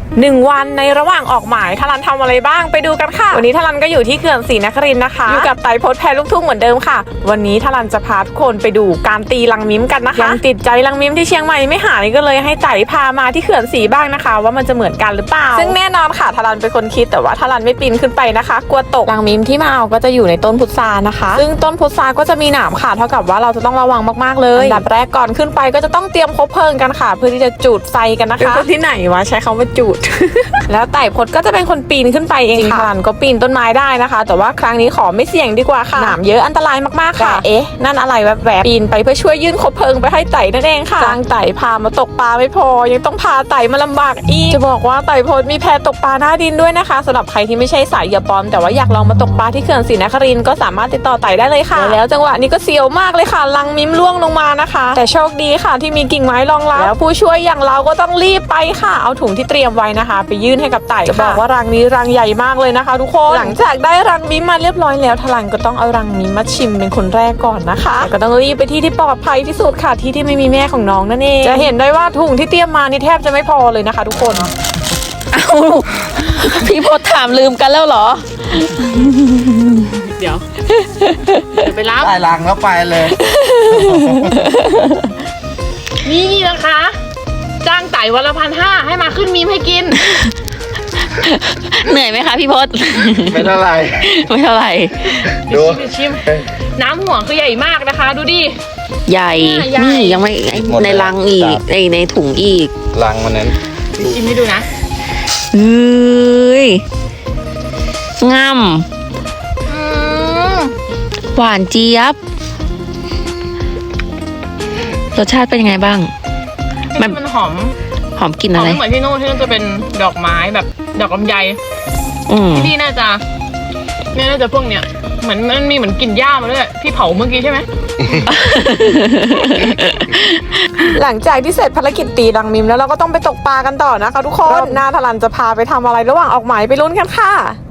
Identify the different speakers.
Speaker 1: 1 วันในระหว่างออกหมายทลันทำอะไรบ้างไปดูกันค่ะวันนี้ทลันก็อยู่ที่เขื่อนศรีนครินทร์นะคะอยู่กับไต่พจน์แพรลูกทุ่งเหมือนเดิมค่ะวันนี้ทลันจะพาทุกคนไปดูการตีลังมิ้มกันนะคะยังติดใจลังมิ้มที่เชียงใหม่ไม่หายก็เลยให้ไต่พามาที่เขื่อนศรีบ้างนะคะว่ามันจะเหมือนกันหรือเปล่าซึ่งแน่นอนค่ะทลันเป็นคนคิดแต่ว่าทลันไม่ปีนขึ้นไปนะคะกลัวตกลังมิ้มที่มาเอาก็จะอยู่ในต้นพุทรานะคะซึ่งต้นพุทราก็จะมีหนามค่ะเท่ากับว่าเราจะต้องระวังมากๆเลยอันดับแรกก่อนขึ้นไปก็จะต้องเตรียมคบเพลิงกันค่ะเพื่อที่จะจุดไฟกันนะคะเป็นคนที่ไหนวะใช้คำว่าจุด แล้วไต่พจน์ก็จะเป็นคนปีนขึ้นไปเองค่ะทลันก็ปีนต้นไม้ได้นะคะแต่ว่าครั้งนี้ขอไม่เสี่ยงดีกว่าค่ะหนามเยอะอันตรายมากๆค่ะเอ๊ะนั่นอะไรแวบๆปีนไปเพื่อช่วยยื่นคบเพลิงไปให้ไต่นั่นเองค่ะจ้างไต่พามาตกปลาไม่พอยังต้องพาไต่มาลำบากอีกจะบอกว่าไต่พจน์มีแพตกปลาหน้าดินด้วยนะคะสำหรับใครที่ไม่ใช่สายเหยื่อปลอมแต่ว่าอยากลองมาตกปลาที่เขื่อนศรีนครินทร์ก็สามารถติดต่อไต่ได้เลยค่ะแล้วจังหวะนี้ก็เสียวมากเลยค่ะลังมิ้มล่วงลงมานะคะแต่โชคดีค่ะที่มีกิ่งไม้รองรับแล้วผู้ช่วยอย่างเราก็ต้องรีบไปค่ะเอาถุงที่เตรียมไว้นะคะไปยื่นให้กับไต่จะบอกว่ารังนี้รังใหญ่มากเลยนะคะทุกคนหลังจากได้รังมิ้มมาเรียบร้อยแล้วทลันก็ต้องเอารังมิ้มมาชิมเป็นคนแรกก่อนนะคะก็ต้องรีบไปที่ปลอดภัยที่สุดค่ะที่ไม่มีแม่ของน้องนั่นเองจะเห็นได้ว่าถุงที่เตรียมมานี่แทบจะไม่พอเลยนะคะทุกคน
Speaker 2: เอาพี่พจน์ถามลืมกันแล้วเหรอ
Speaker 1: เดี๋ยวไปรับ
Speaker 3: ได้รังแล้วไปเลย
Speaker 1: นี่นะคะจ้างไต่วันละ1,500ให้มาขึ้นมีมให้กิน
Speaker 2: เหนื่อยไหมคะพี่พจน์
Speaker 3: ไม่เท่าไหร่
Speaker 2: ไม่เท่าไหร่
Speaker 3: ดู
Speaker 1: ชิมน้ำห่วงคือใหญ่มากนะคะดูดิ
Speaker 2: ใหญ่นี่ยังไม่ในรังอีกในถุงอีก
Speaker 3: รังมันนั้น
Speaker 1: ชิมให้ดูนะ
Speaker 2: เฮ้ยงำหวานเจี๊ยบรสชาติเป็นยังไงบ้าง
Speaker 1: มันหอม
Speaker 2: กลิ่นอะไร
Speaker 1: เหมือนที่นู่นจะเป็นดอกไม้แบบดอกลำไยที่นี่น่าจะพวกเนี้ยเหมือนมันมีเหมือนกลิ่นหญ้ามาด้วยที่เผาเมื่อกี้ใช่ไหม หลังจากที่เสร็จภารกิจตีรังมิมแล้วเราก็ต้องไปตกปลากันต่อนะคะทุกคนรอบหน้าทลันจะพาไปทำอะไรระหว่างออกหมายไปลุ้นกันค่ะ